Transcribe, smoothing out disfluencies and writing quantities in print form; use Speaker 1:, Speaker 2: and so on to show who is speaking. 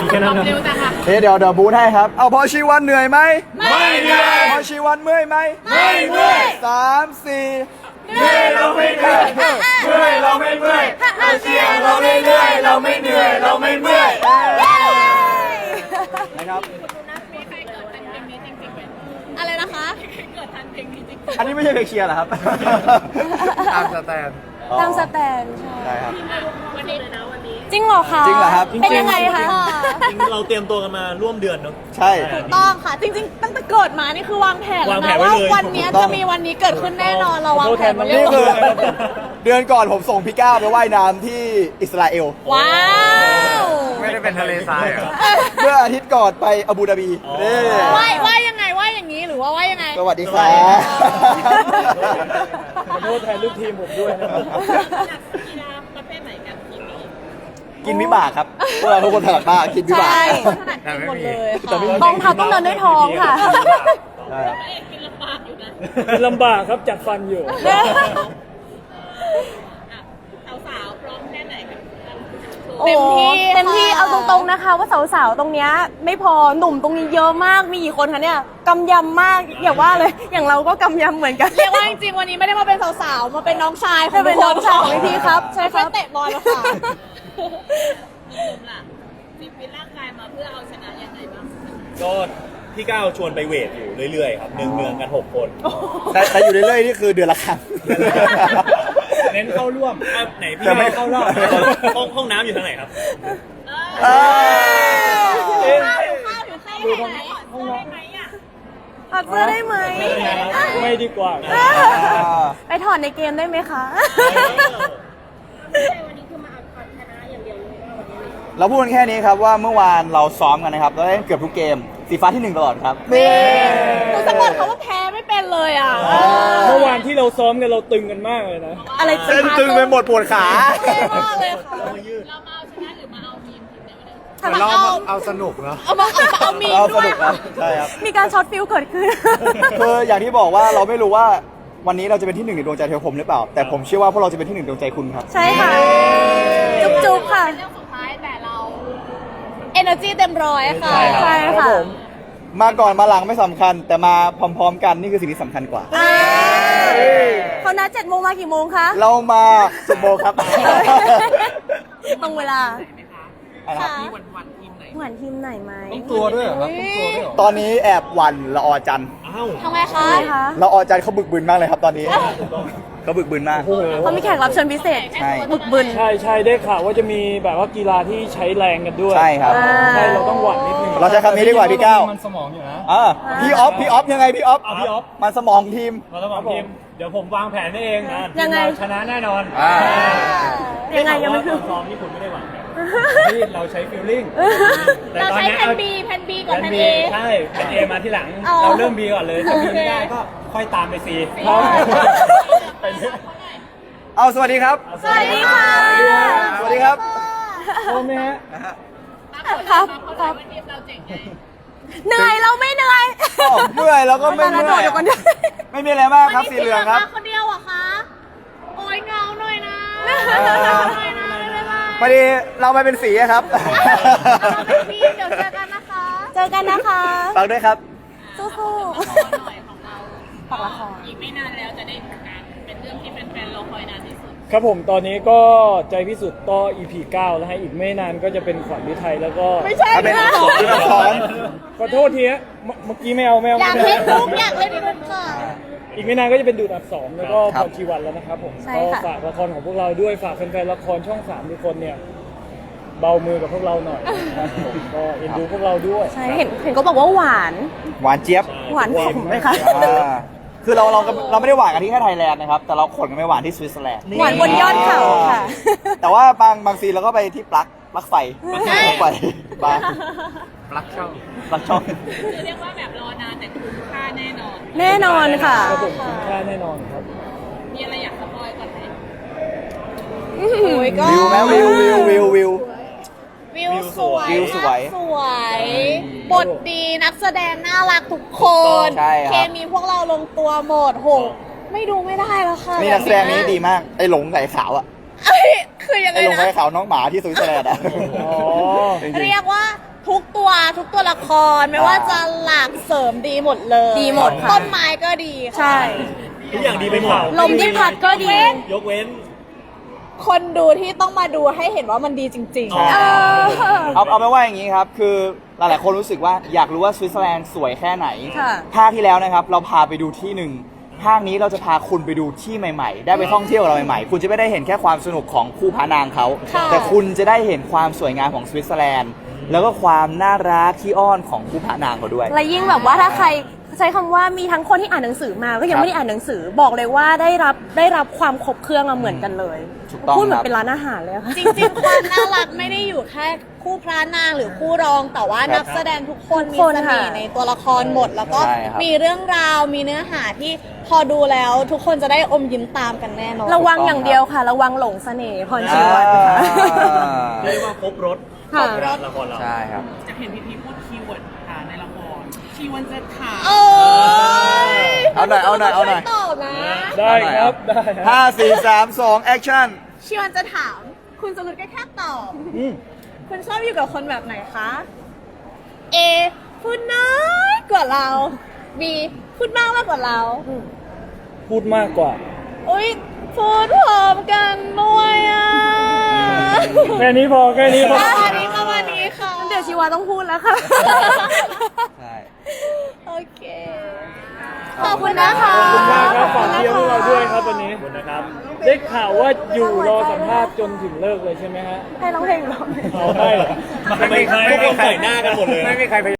Speaker 1: แค่นั้นนะ
Speaker 2: เร็วจังอะ
Speaker 3: เดี๋ยวบูทให้ครับเอาพอชีวันเหนื่อยไหม
Speaker 1: ไม่เหนื่อย
Speaker 3: พอชีวันเมื่อยไหม
Speaker 1: ไม่เมื่อย
Speaker 3: 3 4
Speaker 1: เหนื่อยเราไม่เหนื่อยเมื่อยเราไม่เมื่อยเราเชียร์เราเรื่อยๆเราไม่เหนื่อยเราไม่เมื่อย
Speaker 3: นะครับ
Speaker 2: มีใครเกิดทันเพลงนี้จริงๆไหม
Speaker 4: อะไรนะคะ
Speaker 2: เกิดทันเพลงนี้จริง
Speaker 3: อันนี้ไม่ใช่เพลงเชียร์เหรอครับ
Speaker 1: ตามสแตน
Speaker 4: ตามสแตนใช่
Speaker 3: ใช่ครับ
Speaker 2: ๆวันนี้เลยนะวันนี้
Speaker 4: จริงเหรอคะ
Speaker 3: จริงเหรอครับ
Speaker 4: เป็นยังไงคะ
Speaker 5: จริงเราเตรียมตัวกันมาร่วมเดือนเนาะ
Speaker 3: ใช่
Speaker 4: ถูกต้องค่ะ จริงๆ ตั้งแต่เกิดมานี่คือวางแผนแล้ว
Speaker 5: วางแผ
Speaker 4: นะ
Speaker 5: นไว้
Speaker 4: ว่า
Speaker 5: เลย
Speaker 4: วันนี้จะมีวันนี้เกิดขึ้นแน่นอนเราวางแผนมาเรีย
Speaker 3: นี่
Speaker 4: บร้
Speaker 3: คือ
Speaker 4: อย
Speaker 3: เดือนก่อนผมส่งพี่ก้าวไปว่ายน้ำที่อิสราเอล
Speaker 4: ว้าว
Speaker 1: ไม่ได้เป็นทะเลทรายเหรอ
Speaker 3: เมื่ออาทิตย์ก่อนไปอาบูดาบีนี่
Speaker 4: ว่ายังไงว่าอย่างนี้หรือว่ายังไง
Speaker 3: สวัสดีครับ
Speaker 5: ขอโทษแทนลูกทีมผมด้วยนะครับ
Speaker 2: จากกีฬาประเภทไหนกันทีมนี้
Speaker 3: กินวิบากครับพวกเราทุกคนถนัดมากกินวิบาก
Speaker 4: ใช่
Speaker 1: แต่ไม่
Speaker 4: หมด
Speaker 1: มี
Speaker 4: เลย
Speaker 3: แต่
Speaker 4: ค่ะ
Speaker 3: ไม่มี
Speaker 4: กองทัพต้องเดินด้วยท้องค่ะ
Speaker 3: ใช่ครับ
Speaker 2: พระเอกกินลำบากอยู่นะ
Speaker 5: เป็นลำบากครับจัดฟันอยู่
Speaker 2: อ่ะสาวๆพร้อมแค่ไหนกัน
Speaker 4: เต็มที่เต็มที่เอาตรงๆนะคะ ว่าสาวๆตรงเนี้ยไม่พอหนุ่มตรงนี้เยอะมากมีกี่คนคะเนี่ยกำยำมากอย่าว่าเลย อย่างเราก็กำยำเหมือนกัน
Speaker 2: เรียกว่าจริงๆวันนี้ไม่ได้มาเป็นสาวๆมาเป็นน้องชายของ
Speaker 4: เป็นน้องชายของพี่ครับใช่ครับ
Speaker 2: เตะบอลแล้วค่ะนุ่มๆล่ะฟิตร่างกายมาเพื่อเอาชนะยังไงบ้าง
Speaker 5: ก็พี่ก้าวชวนไปเวทอยู่เรื่อยๆครับเนืองๆกัน 6 คน
Speaker 3: แต่อยู่เรื่อยๆนี่คือเดือนละครั้ง
Speaker 5: เน้นเข้าร่วมอ่ะไหนพี่
Speaker 3: แต่ไม่
Speaker 5: ก้าวเข้ารอบห้องน้ำอยู่ทางไหนครับ
Speaker 3: เอ้ย
Speaker 2: ข้าวอยู่ข้าวอยู่ข้าวอยู่ไหนห้องน้ำไหมอ่ะ
Speaker 4: ถอดเสื้อได้ไหม
Speaker 5: ไม่ดีกว่านะ
Speaker 4: ไปถอดในเกมได้ไหมคะ
Speaker 2: วันนี้คือมาเอาชนะอย่างเดียวเลยว่าวันนี้
Speaker 3: เราพูดกันแค่นี้ครับว่าเมื่อวานเราซ้อมกันนะครับเราได้เกือบทุกเกมสีฟ้าที่ 1 ตลอดครับ
Speaker 2: หนูสะกดเขาว่าแพ้ไม่เป็นเลยอ่ะ
Speaker 5: เมื่อวานที่เราซ้อมกันเราตึงกันมากเลยนะ
Speaker 4: อะไร
Speaker 3: เส้นตึงไปหมดปวดขา
Speaker 2: เท่มากเลยค่ะเรามาเอาชนะหรือมาเอามีมทีมไหนวันนี้
Speaker 1: เราเอาสนุกเนาะ
Speaker 2: เอามีม
Speaker 3: เราส
Speaker 2: ด้วย
Speaker 3: นุกครับใช่ครับ
Speaker 4: มีการช็อตฟิลเกิดขึ้น
Speaker 3: คืออย่างที่บอกว่าเราไม่รู้ว่าวันนี้เราจะเป็นที่ 1 ในดวงใจเทวผมหรือเปล่า แต่ผมเชื่อว่าพวกเราจะเป็นที่ 1 ในดวงใจคุณครับ
Speaker 4: ใช่ค่ะ จุ๊บๆค่ะ
Speaker 2: เรื่องสุดท้ายแต่เรา
Speaker 4: energy เต็มร้อยค่ะ
Speaker 5: ใช่
Speaker 4: ค่ะ
Speaker 3: มาก่อนมาหลังไม่สำคัญ แต่มาพร้อมๆกันนี่คือสิ่งที่สำคัญกว่า
Speaker 4: เขานัด7 โมงมากี่โมงคะ
Speaker 3: เรามา10 โมงครับ
Speaker 4: ตรงเวลา
Speaker 3: อะไรครับ
Speaker 4: ค่ะเหมือนทีมไหนไหม
Speaker 1: ตัวด้วยเหรอครับตัวด้วยเหรอ
Speaker 3: ตอนนี้แอบหวันละออจันทร์
Speaker 5: อ้าว
Speaker 2: ทำไมคะ
Speaker 4: ใช่คะ
Speaker 3: ละออจันทร์เขาบึกบึนมากเลยครับตอนนี้เขาบึกบึนมาก
Speaker 5: โอ้โห
Speaker 4: เขามีแขกรับเชิญพิเศษ
Speaker 3: ใช่
Speaker 4: บึกบึน
Speaker 5: ใช่ได้ข่าวว่าจะมีแบบว่ากีฬาที่ใช้แรงกันด้วย
Speaker 3: ใช่ครับ
Speaker 5: ใช่เราต้องหวั่นนิดนึง
Speaker 3: เราใช้คำนี้ดีกว่าพี่ก้าว
Speaker 1: มันสมองอยู่นะ
Speaker 3: พี่ออฟยังไงพี่ออฟ
Speaker 5: เอาพี่ออฟ
Speaker 3: มันสมองทีม
Speaker 5: เราต้องบอกทีมเดี๋ยวผมวางแผนให้เอง
Speaker 4: ยังไง
Speaker 5: ทีมเราชนะแน่นอน
Speaker 4: ยังไงยังไม่
Speaker 5: ต
Speaker 4: ถึ
Speaker 5: อง นซ้อมนี่คุณไม่ได้วางแผนที่เราใช้ฟีลลิ่ง
Speaker 2: เราใช้แผ่น B แผ่น B ก่อนแผ่น A
Speaker 5: ใช่แผ่น A มาที่หลัง
Speaker 4: อ๋อ
Speaker 5: เราเริ่ม B ก่อนเลยถ้า B ไม่ได้ก็ค่อยตามไป C ไปเรื่อย
Speaker 3: เอาสวัสดีครับ
Speaker 4: สวัสดีค่ะ
Speaker 3: สวัสดีครับ
Speaker 5: โอ้แม่
Speaker 4: ครับ
Speaker 2: เขาบอกว่าทีมเราเจ๋งไง
Speaker 4: เหนื่อยเราไม่เหนื่อย
Speaker 3: เมื่อยแล้วก็ไม่เมื่อย
Speaker 4: เดี๋ยวก่อนเดี๋ยว
Speaker 3: ไม่มีอะไรมากครับสีเหลืองครับ
Speaker 2: มาคนเดียวเหรอคะ โอ้ยเงาหน่อยนะหน่อยนะไม่เป็นไร
Speaker 3: พอดีเรามาเป็นสีอะครับ
Speaker 2: พี่เดี๋ยวเจอกันนะคะ
Speaker 4: เจอกันนะคะ
Speaker 3: ฝากด้วยครับ
Speaker 4: สู้
Speaker 2: ขอหน่อยของเรา
Speaker 4: ๆฝากละคร
Speaker 2: อีกไม่นานแล้วจะได้ดูกันเป็นเรื่องที่แฟนๆรอคอยนานที่สุด
Speaker 5: ครับผมตอนนี้ก็ใจพิสุทธิ์ก็ EP 9 แล้วให้อีกไม่นานก็จะเป็นขวัญฤทัยแล้วก็
Speaker 4: ไม่ใช่
Speaker 3: เป็น
Speaker 4: นะ
Speaker 3: ดูละคร
Speaker 5: ขอโทษทีฮะเมื่อกี้ไม่เอา
Speaker 2: อยากเล่นลุกอยากเล่นลุกค่ะ
Speaker 5: อีกไม่นานก็จะเป็นดูดอับ2แล้วก็
Speaker 3: ครั
Speaker 5: พ
Speaker 3: บ
Speaker 5: รชีวันแล้วนะครับผม
Speaker 4: ใช่
Speaker 5: ก็
Speaker 4: ค่ะ
Speaker 5: ฝากละครของพวกเราด้วยฝากแฟนๆละครช่อง3ทุกคนเนี่ยเบามือกับพวกเราหน่อยนะครับผมก็เอ็นดูพวกเราด้วย
Speaker 4: ใช่เห็นก็บอกว่าหวาน
Speaker 3: หวานเจี๊ยบ
Speaker 4: หวานขมไหมคะ
Speaker 3: คือเราไม่ได้หวานกันที่แค่ไทยแลนด์นะครับ แต่เราขนกันไปหวานที่สวิตเซอร์แลนด์
Speaker 4: หวานบนยอดเขาค่ะ
Speaker 3: แต่ว่าบางซีนเราก็ไปที่ปลั๊กไฟปลั๊กไฟบาง
Speaker 1: ปลั๊กช่อง
Speaker 3: ปลั๊กช่อง
Speaker 2: คือเรียกว่าแบบรอนานแต่คุ้มค่าแน่นอน
Speaker 4: แน่นอนค่ะ
Speaker 5: ครับผมคุ้มค่าแน่นอนครับ
Speaker 2: มีอะไรอยากสปอยก่อนไหม
Speaker 4: โอ้ยก็
Speaker 3: วิวไหมวิว
Speaker 2: วิวสวย
Speaker 3: วิวสวย
Speaker 2: สวย บทดีนักแสดงน่ารักทุกคน
Speaker 3: ใช่ครับ
Speaker 2: เคมีพวกเราลงตัวหมดโห ไม่ดูไม่ได้แล้วค่ะ
Speaker 3: นี่นักแสดงนี้ดีมาก ไอ้หลงไก่ขาวอะ
Speaker 2: เอ้ยคือยังไง
Speaker 3: ไอ้หลง
Speaker 2: นะ
Speaker 3: ไก่ขาวน้องหมาที่สวิตเซอร์แลนด์อะ
Speaker 5: อ๋อ
Speaker 3: จริง
Speaker 2: เรียกว่าทุกตัวละครไม่ว่าจะหลักเสริมดีหมดเลย
Speaker 4: ดีหมดค่ะ
Speaker 2: ต้นไม้ก็ดีค่ะ
Speaker 4: ใช่
Speaker 1: ทุกอย่างดีไปหมด
Speaker 4: ลมที่พัดก็ดี
Speaker 1: ยกเว้น
Speaker 2: คนดูที่ต้องมาดูให้เห็นว่ามันดีจริง
Speaker 1: อ๋อ
Speaker 3: เอาไปนว่าอย่างนี้ครับ คือหลายๆคนรู้สึกว่าอยากรู้ว่าสวิตเซอร์แลนด์สวยแค่ไหน
Speaker 4: ค่ะ
Speaker 3: ภาคที่แล้วนะครับเราพาไปดูที่หนึ่งภาคนี้เราจะพาคุณไปดูที่ใหม่ๆ ได้ไปท่องเที่ยวกับเราใหม่ๆ คุณจะไม่ได้เห็นแค่ความสนุกของคู่พระนางเขา
Speaker 2: ค่ะ
Speaker 3: แต่คุณจะได้เห็นความสวยงามของสวิตเซอร์แลนด์ แล้วก็ความน่ารักขี้อ้อนของคู่พระนางเขาด้วย
Speaker 4: และยิ่งแบบว่าถ้าใครใช้คำว่ามีทั้งคนที่อ่านหนังสือมาก็ยังไม่ได้อ่านหนังสือบอกเลยว่าได้รับความครบเครื่องอะเหมือนกันเลย
Speaker 3: ถูกต้อง
Speaker 4: พูดเหมือ
Speaker 3: ครั
Speaker 4: น
Speaker 3: บ
Speaker 4: เป็นร้านอาหารเลยอะค่ะ
Speaker 2: ๆ จริงๆความน่ารักไม่ได้อยู่แค่คู่พระนางหรือคู่รอง แต่ว่านักแสดงทุกคน
Speaker 4: ทุ
Speaker 2: มี
Speaker 4: กคน
Speaker 2: เสน่ห์
Speaker 4: ค่ะ
Speaker 2: ในตัวละครหมด แล้วก็
Speaker 3: ใช่ครับ
Speaker 2: มีเรื่องราวมีเนื้อหาที่พอดูแล้วทุกคนจะได้อมยิ้มตามกันแน่นอน
Speaker 4: ระวังอย่างเดียวค่ะ ระวังหลงเสน่ห์พรชีวันค่ะ
Speaker 1: เรียกว่าครบรถ
Speaker 4: ค่ะ
Speaker 1: ละครเรา
Speaker 3: ใช่ครับ
Speaker 6: จะเห็นพี่พูดคีย์เวิร์ดค่ะในละครคีย์เวิร์ดจะถาม
Speaker 2: โอ้ย
Speaker 3: เอาหน่อยเอาหน่อยเอาหน่อย
Speaker 2: ช่วยตอบนะ
Speaker 5: ได้ครับได้ครับ
Speaker 3: ห้าสี่สามสองแอคชั่น
Speaker 2: ชิวันจะถาม คุณสรุปก็แค่ตอบ คุณชอบอยู่กับคนแบบไหนคะ A พูดน้อยกว่าเรา B พูดมากกว่าเรา
Speaker 5: พูดมากกว่า
Speaker 2: อุ้ยพูดพร้อมกันด้วยอ่ะ
Speaker 5: แค่นี้พอแค่นี้พอ
Speaker 2: อันนี้ประมาณนี้ค่ะ
Speaker 4: เดี๋ยวชีวาต้องพูดแล้วค่ะ
Speaker 3: ใช่
Speaker 2: โอเค ขอบคุณนะคะ
Speaker 5: ขอบคุณมากครับฝากเชียร์พวกเราด้วยครับวันนี้
Speaker 1: ขอบคุณนะครับ
Speaker 5: ได้ข่าวว่าอยู่รอสัมภาษณ์จนถึงเลิกเลยใช่ไหมฮะ
Speaker 4: ให้ร้องเพลงร้อง
Speaker 5: เอาได้เหรอ
Speaker 1: ไม่มีใครทุกคนใส่หน้ากันหมดเลย
Speaker 5: ไม่มีใคร